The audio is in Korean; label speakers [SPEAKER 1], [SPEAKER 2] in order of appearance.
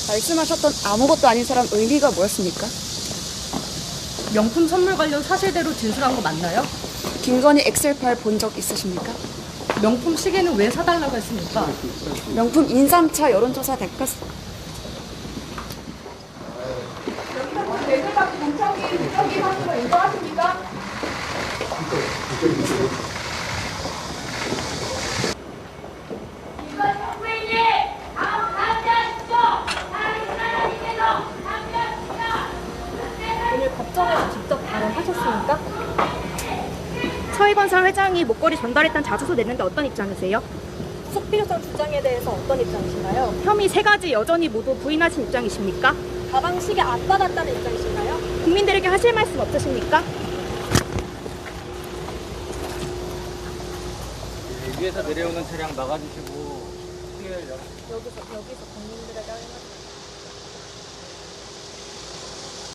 [SPEAKER 1] 말씀하셨던 아무것도 아닌 사람 의미가 뭐였습니까?
[SPEAKER 2] 명품 선물 관련 사실대로 진술한 거 맞나요?
[SPEAKER 1] 김건희 엑셀 파일 본 적 있으십니까?
[SPEAKER 2] 명품 시계는 왜 사달라고 했습니까?
[SPEAKER 1] 명품 인삼차 여론조사 대가
[SPEAKER 2] 오늘 법정에서 직접 발언하셨습니까?
[SPEAKER 3] 서희건설 회장이 목걸이 전달했던 자소서 냈는데 어떤 입장이세요?
[SPEAKER 2] 속필요성 주장에 대해서 어떤 입장이신가요?
[SPEAKER 3] 혐의 3가지 여전히 모두 부인하신 입장이십니까?
[SPEAKER 2] 가방 시계 안 받았다는 입장이신가요?
[SPEAKER 3] 국민들에게 하실 말씀 없으십니까?
[SPEAKER 4] 위에서 내려오는 차량 막아주시고
[SPEAKER 2] 여기서 국민들에게 할 말씀